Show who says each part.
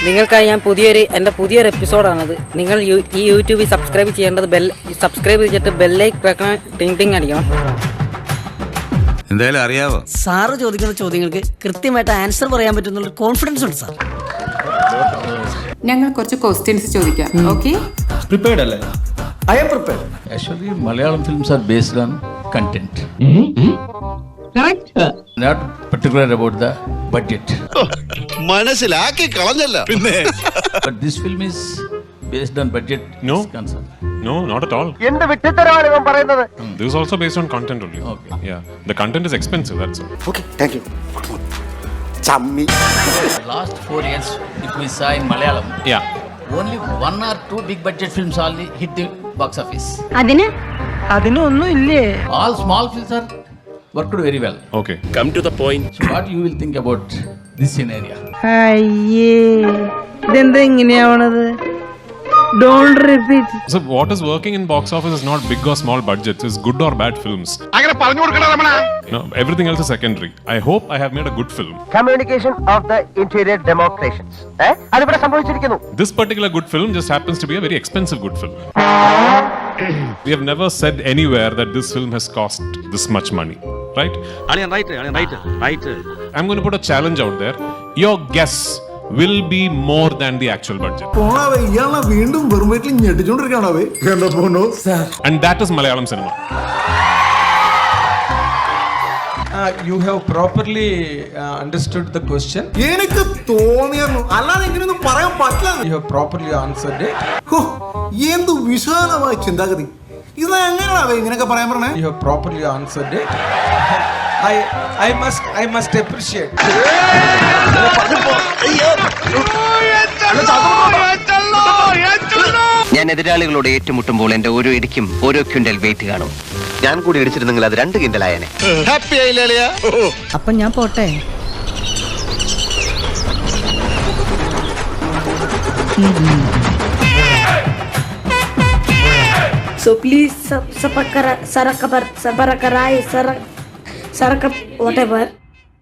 Speaker 1: നിങ്ങൾക്കായി ഞാൻ എൻ്റെ പുതിയൊരു എപ്പിസോഡാണത്. നിങ്ങൾ ഈ യൂട്യൂബിൽ സബ്സ്ക്രൈബ് ചെയ്യേണ്ടത് സബ്സ്ക്രൈബ് ചെയ്തിട്ട് ബെല്ലൈക്ക് വെക്കണം, ടിങ് ടിങ് അടിക്കണം.
Speaker 2: എന്തായാലും അറിയാവോ,
Speaker 3: സാറ് ചോദിക്കുന്ന ചോദ്യങ്ങൾക്ക് കൃത്യമായിട്ട് ആൻസർ പറയാൻ പറ്റുന്ന കോൺഫിഡൻസ് ഉണ്ട് സാർ.
Speaker 4: ഞങ്ങൾ കുറച്ച് ക്വസ്റ്റ്യൻസ് ചോദിക്കാം. ഓക്കെ,
Speaker 5: പ്രിപ്പയർഡ് അല്ലേ?
Speaker 6: I am prepared.
Speaker 7: Actually, Malayalam films are based on content.
Speaker 4: correct.
Speaker 7: Not particular about the budget.
Speaker 2: മനസ്സിലാക്കി കളഞ്ഞല്ല പിന്നെ.
Speaker 7: But this film is based on budget.
Speaker 8: No.
Speaker 7: is concerned.
Speaker 8: No, not at all.
Speaker 6: എന്ത് വിട്ടിത്തരമാണ് ഇവൻ പറയുന്നത്?
Speaker 8: This is also based on content only.
Speaker 7: Okay.
Speaker 8: Yeah, the content is expensive. That's all.
Speaker 6: Okay, thank you. ചമ്മി.
Speaker 7: The last 4 years, if we saw in Malayalam,
Speaker 8: Yeah.
Speaker 7: only 1 or 2 big budget films only hit the box office.
Speaker 3: അതിനൊന്നും ഇല്ലേ?
Speaker 7: All small films are worked very well.
Speaker 8: Okay.
Speaker 2: Come to the point.
Speaker 7: So what you will think about this scenario?
Speaker 3: അയ്യേ, ഇതെന്താ ഇങ്ങനെയാവണത്? Don't repeat.
Speaker 8: So what is working in box office is not big or small budgets. It's good or bad films.
Speaker 2: അങ്ങനെ പറഞ്ഞു കൊടുക്കണ Ramana.
Speaker 8: No, everything else is secondary. I hope I have made a good film.
Speaker 6: Communication of the interior demonstrations. അതിവിടെ സംഭവിച്ചിരിക്കുന്നു.
Speaker 8: This particular good film just happens to be a very expensive good film. We have never said anywhere that this film has cost this much money, right?
Speaker 2: Right.
Speaker 8: I'm going to put a challenge out there. Your guess will be more than the actual budget.
Speaker 5: വീണ്ടും വെറും വീട്ടിൽ ഞെട്ടിച്ചോണ്ടിരിക്കണവേ. എന്താ പോണോ?
Speaker 8: And that is Malayalam cinema.
Speaker 9: You have properly understood the question.
Speaker 5: എനിക്ക് തോന്നിയായിരുന്നു, അല്ലാതെ എങ്ങനെയൊന്നും പറയാൻ പറ്റില്ല.
Speaker 9: You have properly answered it.
Speaker 5: എന്ത് വിശാലമായ ചിന്താഗതി. ഇത് എങ്ങനെയാണോ ഇങ്ങനെയൊക്കെ പറയാൻ പറഞ്ഞേ?
Speaker 9: You have properly answered it. I must appreciate.
Speaker 6: ഞാൻ എതിരാളികളോട് ഏറ്റുമുട്ടുമ്പോൾ എന്റെ ഓരോ ഇടിക്കും ഓരോ ക്വിന്റൽ വെയിറ്റ് കാണും. ഞാൻ കൂടി ഇടിച്ചിരുന്നെങ്കിൽ അത് 2 കിൻഡലായനെ.
Speaker 2: ഹാപ്പി ആയില്ലേ?
Speaker 3: അപ്പൊ ഞാൻ പോട്ടെ.
Speaker 10: So please subscribe, whatever.